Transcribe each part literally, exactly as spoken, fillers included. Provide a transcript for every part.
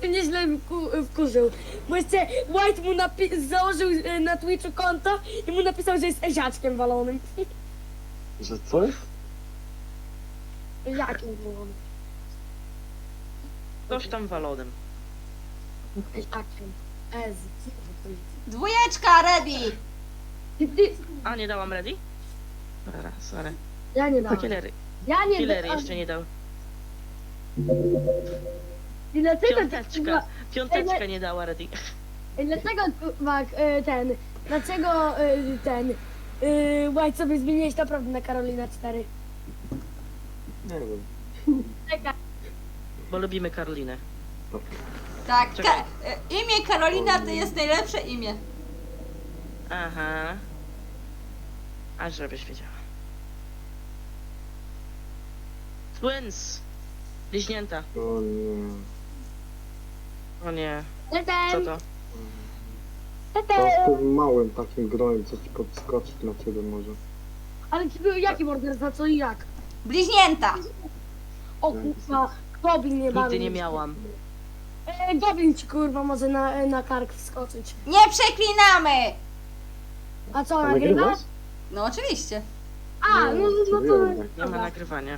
się nieźle wku- wkurzył. Bo jeszcze White mu napi- założył e, na Twitchu konto i mu napisał, że jest eziaczkiem walonym. Że co jest? Jakim walonym? Coś tam walonym. Eziaczkiem. Ez. Dwójeczka, ready! Ty, ty, A, nie dałam ready? Dobra, sorry. ja nie dam. Killery. Ja nie Killery dam. jeszcze nie dał. I dlaczego Piąteczka. Piąteczka nie dała ready. Ej, dlaczego Mak, y, ten, dlaczego y, ten, y, White sobie zmieniłeś naprawdę na Karolina cztery? Nie wiem. Czekaj, Bo lubimy Karolinę. Tak, Czekaj. ka- e, imię Karolina to jest najlepsze imię. Aha. A żebyś wiedziała. Twins. Bliźnięta. O nie. O nie. Co ten, to? To z tym małym takim grojem, co ci podskoczyć na ciebie może. ale ci był jaki morderca, co i jak? Bliźnięta. O kurwa, Goblin nie bawi. Nigdy nie miałam. E, Goblin ci kurwa może na, na kark wskoczyć. Nie przeklinamy! A co, A nagrywasz? nagrywasz? No oczywiście. A, no, no to... wiem, Nie ma Dobra. nagrywania.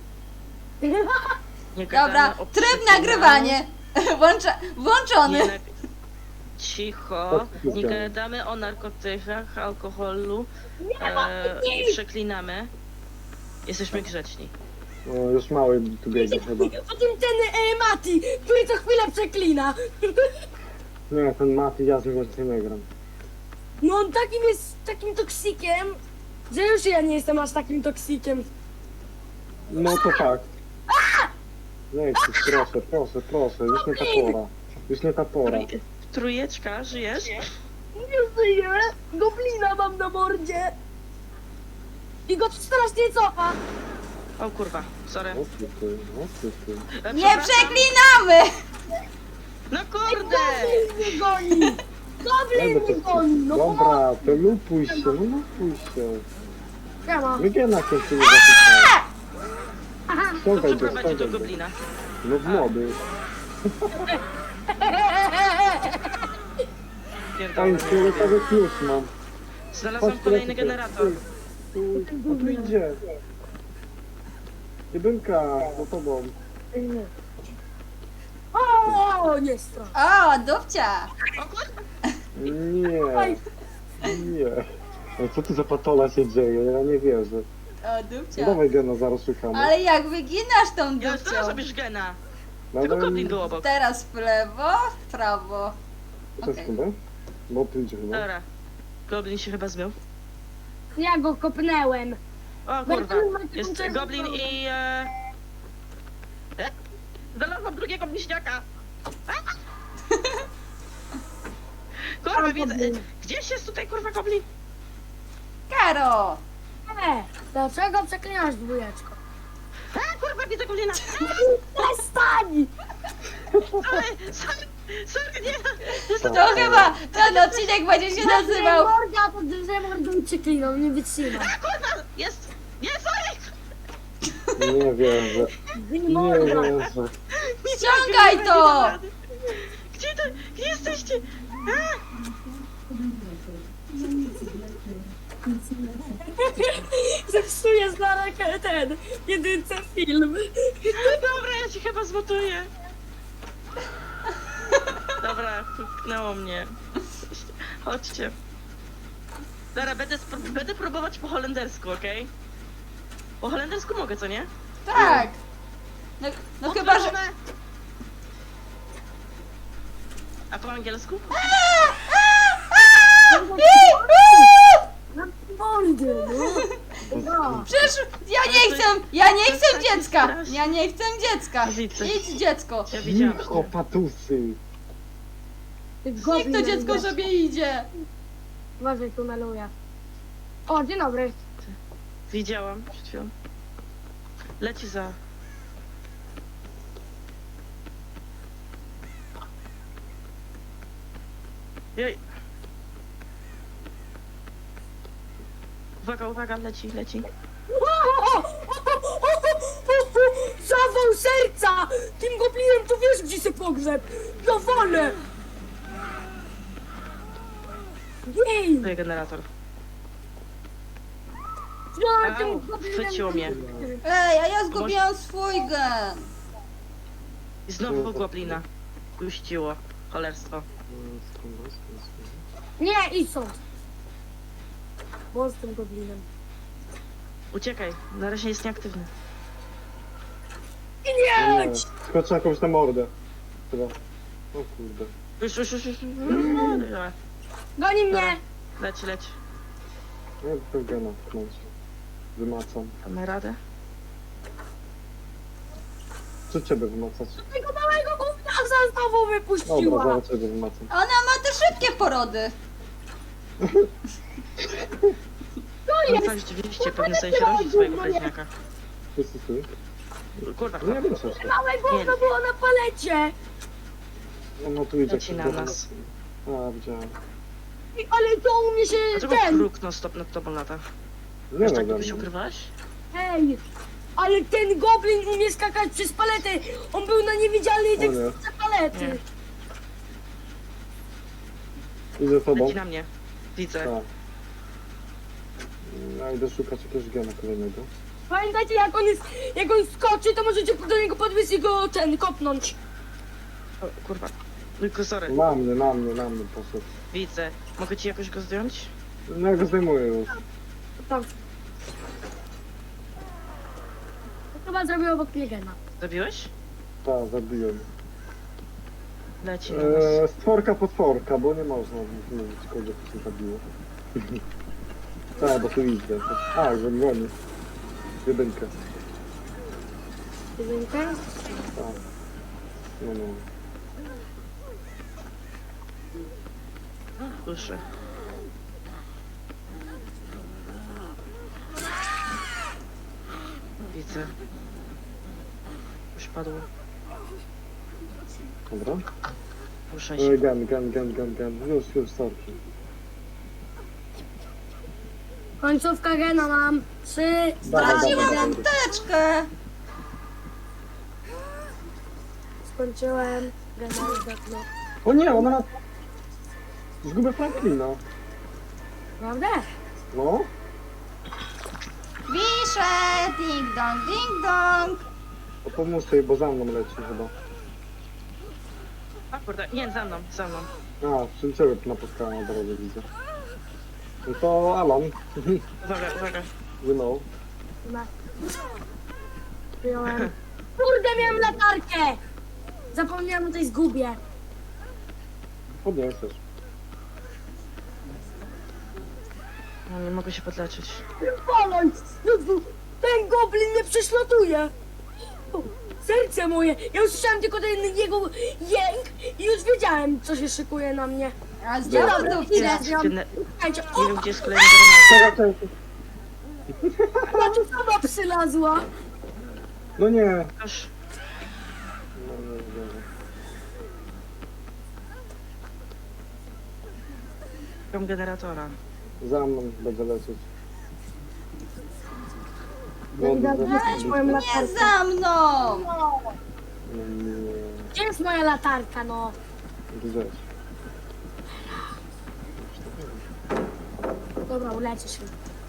Nie Dobra, gadamy o tryb przeklinaniu. nagrywanie. Włącza, włączony. Nie nag... Cicho. Nie Odpuszczam. gadamy o narkotykach, alkoholu. ma- E, nie. I przeklinamy. Jesteśmy grzeczni. O, już mały tu biega chyba. Potem ten e, Mati, który co chwilę przeklina. Nie, ten Mati, ja z nim więcej nie gram. No on takim jest, takim toksikiem, że już ja nie jestem aż takim toksikiem. No to tak. Nie, proszę, proszę, proszę, już nie ta pora. Już nie ta pora. Trój... Trójeczka, żyjesz? Nie żyję, goblina mam na mordzie. I go strasznie cofa. O kurwa, sorry. O ty, ty, o ty, ty. E, Nie przepraszam. przeklinamy! No kurde! Goblin mnie goni. Nie, Goblin bo mnie to- goni. No Dobra, to lupuj się, no lupuj się. Siema. Wygiena się z tymi zapisami. Aha. To Ściągaj go, przeprowadzi do ściągaj go. goblina. No w młody. Pierdolę. Ej, fioletowy klucz mam. Znalazłam kolejny generator. Tu, o tu idzie. Jedynka, za tobą. O, nie strach. O, dupcia. Nie, nie. Ej, co tu za patola się dzieje? Ja nie wierzę. O, No dupcia. dawaj gena, zaraz szukamy. Ale jak wyginasz tą Ja już dupcią? teraz robisz gena. Dawaj- Tylko goblin był obok. Teraz w lewo, w prawo. To jest Okej. chyba? Bo tu idzie chyba. Dobra. Goblin się chyba zmył. Ja go kopnęłem. O kurwa. Jest goblin i... E... E? Znalazłam drugiego bliźniaka. A! Kurwa, widzę. Gdzieś jest tutaj kurwa goblin? Karo! E, dlaczego przeklinasz dwójeczko? A kurwa, widzę goblina. Przestań! Sorry, sorry, sorry, nie. To chyba ten odcinek będzie się nazywał. Morda, to że mordą przeklinał, nie wytrzymam. A kurwa, jest. Nie, sorry. Nie wierzę. Nie Morda. wierzę. Ściągaj to! Gdzie to? Gdzie jesteście? A! Zepsuję zaraz ten, jedynce film. Dobra, ja ci chyba zmotuję. Dobra, puknęło mnie. Chodźcie. Dobra, będę, spró- będę próbować po holendersku, okej? Po holendersku mogę, co nie? Tak. No, no chyba, że... Otworzone. A po angielsku? Na mordę, no. No. Przecież ja nie chcę, ja nie chcę dziecka! Ja nie chcę dziecka! Widzę. Idź dziecko! Ja widziałam. Cicho, patusy. Ty Niech goblin to dziecko jest. sobie idzie! Uważaj, tu maluję. O, dzień dobry. Widziałam przed chwilą. Leci za... Jej. Uwaga, uwaga, leci, leci. Zawał serca! Tym goblinem to wiesz, gdzie się pogrzeb. No wolę. Jej! Tu jest generator. No, Au, chwyciło mnie. Ej, a ja zgubiłam swój gen. I znowu goblina. Puściło. Cholerstwo. Mm, skąd, skąd, skąd? Nie, idź stąd. Bo z tym goblinem. Uciekaj, na razie jest nieaktywny. No nie, Nie! skoczę jakąś na mordę. Chyba. O kurde. Już, już, już, już. Goni mnie! Leć, leć. Nie, to gena tknąć. Wymacam. Mamy radę? Co ciebie wymacać? Tego małego gówniarza znowu Dobra, wypuściła. zaraz ciebie wymacam. Ona ma te szybkie porody. To On jest! tak rzeczywiście pewnie sobie się rodzi swojego pleśniaka. Wszyscy ty? Kurwa, No nie wiem, co się. Małe gówno było na palecie. No, no tu idzie Leci na ktoś. nas. A, widziałem. I- Ale to u mnie się Dlaczego ten... kruk non stop nad tobą lata? Nie Wiesz, no, tak we by się mnie. ukrywałaś? Ej! Ale ten goblin umie skakać przez paletę. On był na niewidzialnej O nie. teksturze palety. Nie. Idę z tobą. Leci na mnie. Widzę. Tak. Ja idę szukać jakiegoś gena kolejnego. Pamiętajcie, jak on jest, jak on skoczy, to możecie do niego podbiec i go ten kopnąć. O, kurwa. Tylko sorry. Na mnie, na mnie, na mnie poszedł. Widzę. Mogę ci jakoś go zdjąć? No ja go zdejmuję już. Tam. To chyba zrobił obok mnie gena. Zabiłeś? Tak, zabiłem. Leci na nas. Eee, stworka potworka, bo nie można mówić kogo to się zabiło. Tak, bo tu idę. A, że goni. Jedynkę. Jedynkę. Tak. No, no. Słyszę. Widzę. Już padło. Dobra. Ruszaj się. Eee, gen, gen, gen, gen, gen. Już, już, sorki. Końcówka gena mam. Trzy, dwa, Dawaj, jeden. dawaj. Teczkę. Skończyłem. Gena już dawno. O nie, ona ma... Zgubię Franklina. Prawda? No. Wiszę, ding dong, ding dong. To pomóż jej, bo za mną leci chyba. A kurde, nie, za mną, za mną. A, czym ciebie napotkałem na drodze, widzę. No to Alan. Uwaga, uwaga. You know. Ma. Wyjąłem. Kurde, miałem latarkę! Zapomniałem o tej zgubie. Podniesiesz. No, nie mogę się podleczyć. Poląc! Ten goblin mnie prześladuje! O, serce moje! Ja usłyszałem tylko ten jego jęk i już wiedziałem, co się szykuje na mnie. A zdjęłam Dobra, dupcie. idę. Gene- Słuchajcie, Nie o, wiem, gdzie jest kolejny granat. Czekaj, czekaj. ona tu sama przylazła. No nie. Aż No nie, nie. szukam generatora. Za mną będę lecieć. Ja idę odzyskać moją Nie latarkę. za mną. No nie. Gdzie jest moja latarka, no? Gdzieś. Dobra, uleci się.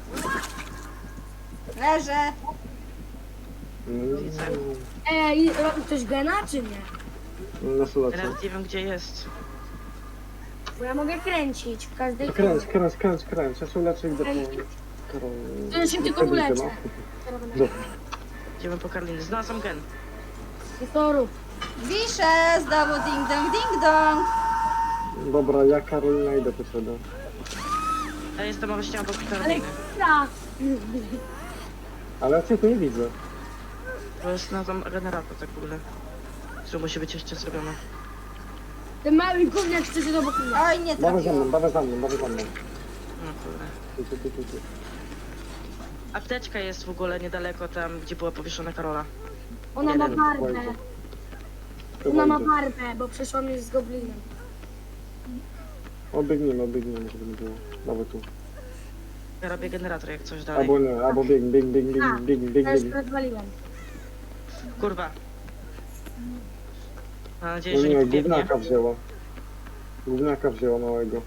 Leżę. No, Ej, robi ktoś gena, czy nie? na sulecie. Teraz nie wiem, gdzie jest. Bo ja mogę kręcić w każdej No kręć, kręć, kręć, kręć. Ja się uleczę i idę po... Karol... To ja się tylko Jedynkę, uleczę. no. Dobra. Idziemy po Karliny. Znalazłam gen. I to rób. Wiszę, znowu ding dong, ding dong. Dobra, ja Karolina idę po ciebie. Ja jestem właśnie obok Ale Karliny. ja. Ale ja cię tu nie widzę. To jest na tam generator tak w ogóle. Który musi być jeszcze zrobiony. Ten mały gówniak chce się obok mnie. Oj, nie Dawaj za mną, trafiłam. dawaj za mną, dawaj za mną. No kurde. Tu, tu, tu, tu, tu. Apteczka jest w ogóle niedaleko tam, gdzie była powieszona Karola. Ona ma Jeden. barbę. Chyba Ona ma idzie. barbę, bo przeszła mnie z goblinem. Obiegnijmy, obiegnijmy, żeby nie było. Dawaj tu. Ja robię generator jak coś dalej. Albo nie, albo bieg, bieg, bieg, bieg, bieg, bieg, Ja już bieg. rozwaliłem. Kurwa. Mam nadzieję, No że nie nie, pobiegnie. gówniaka wzięła. Gówniaka wzięła małego.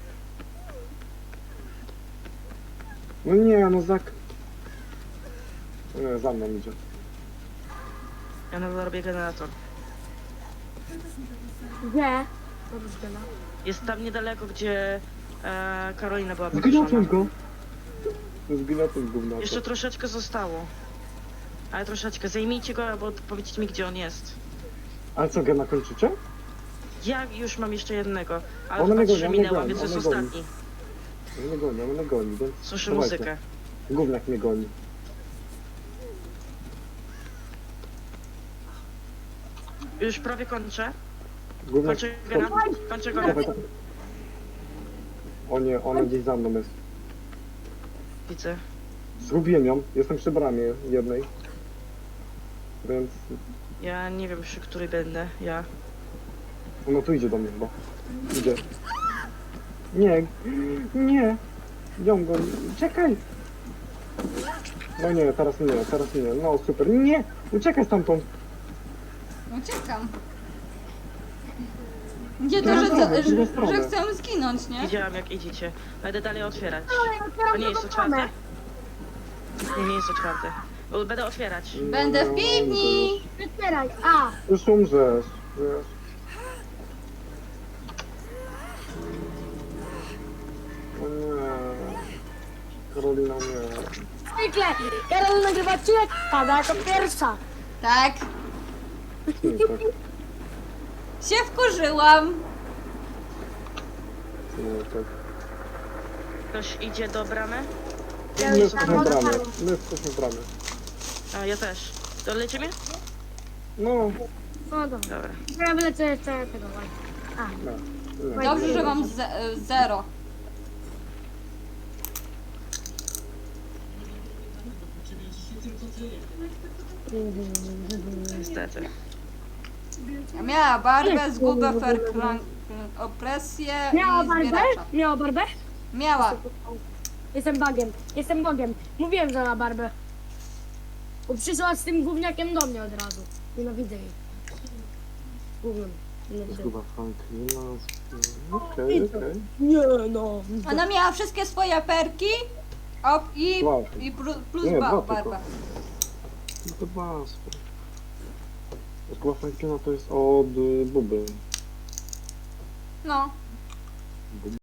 No nie, no zak... Nie, za mną idzie. Ja nadal robię generator. Gdzie? Dobrze, no. Jest tam niedaleko, gdzie e, Karolina była Zgniotłem powieszona. go! Zgniotłem gównaka. Jeszcze troszeczkę zostało. Ale troszeczkę. Zajmijcie go, albo powiedzcie mi, gdzie on jest. Ale co, gena kończycie? Ja już mam jeszcze jednego, ale One chyba mnie trzy gonią, one minęłam, gonią, więc to jest one gonią. ostatni. On mnie goni, on mnie goni, więc... Słyszę dawajcie. muzykę. Gówniak mnie goni. Już prawie kończę. Gówniak... Kończę gena. Kończę go. Dawaj, dawaj. O nie, ona gdzieś za mną jest. Widzę. Zgubiłem ją, jestem przy bramie jednej. Więc... Ja nie wiem, przy której będę. Ja. Ona tu idzie do mnie chyba. Idzie. Nie, nie. Ją go, czekaj. No nie, teraz nie, teraz nie. No super, nie, uciekaj stamtąd. Uciekam. Nie to, Drugą że, stronę, że, drugą że, stronę. że chcę zginąć, nie? Widziałam, jak idziecie. Będę dalej otwierać. Ale otwieram To nie jest drugą stronę. otwarte? Nie, nie jest otwarte. Bo będę otwierać. Będę w piwni. Otwieraj. A, Już umrzesz, wiesz. O nie. Karolina nie. zwykle. Karol nagrywa odcinek, pada jako pierwsza. Tak. Nie, tak. Się wkurzyłam. Nie, tak. Ktoś idzie do bramy? Ja My już jesteśmy tam w bramie, odpalam. my jesteśmy w bramie. A, ja też. To lecimy? No, No dobra. Dobra. Ja wylecę jeszcze tego właśnie. A, nie. nie. Dobrze, że mam ze zero. Niestety. Miała barbę, zgubę, ferklang, opresję miała i barbę? zbieracza. Miała barbę? Miała. Jestem bagiem. Jestem bogiem. Mówiłem, że ma barbę. Bo przyszła z tym gówniakiem do mnie od razu. Nienawidzę jej. Gównem. Nienawidzę. Zguba Franklina. Okej, okej. Nie no. Ona miała wszystkie swoje perki op, i, Dwa. i plu- plus Nie, ba, dwa tylko. barba. No to was. Zguba Franklina to jest od y, Buby. No.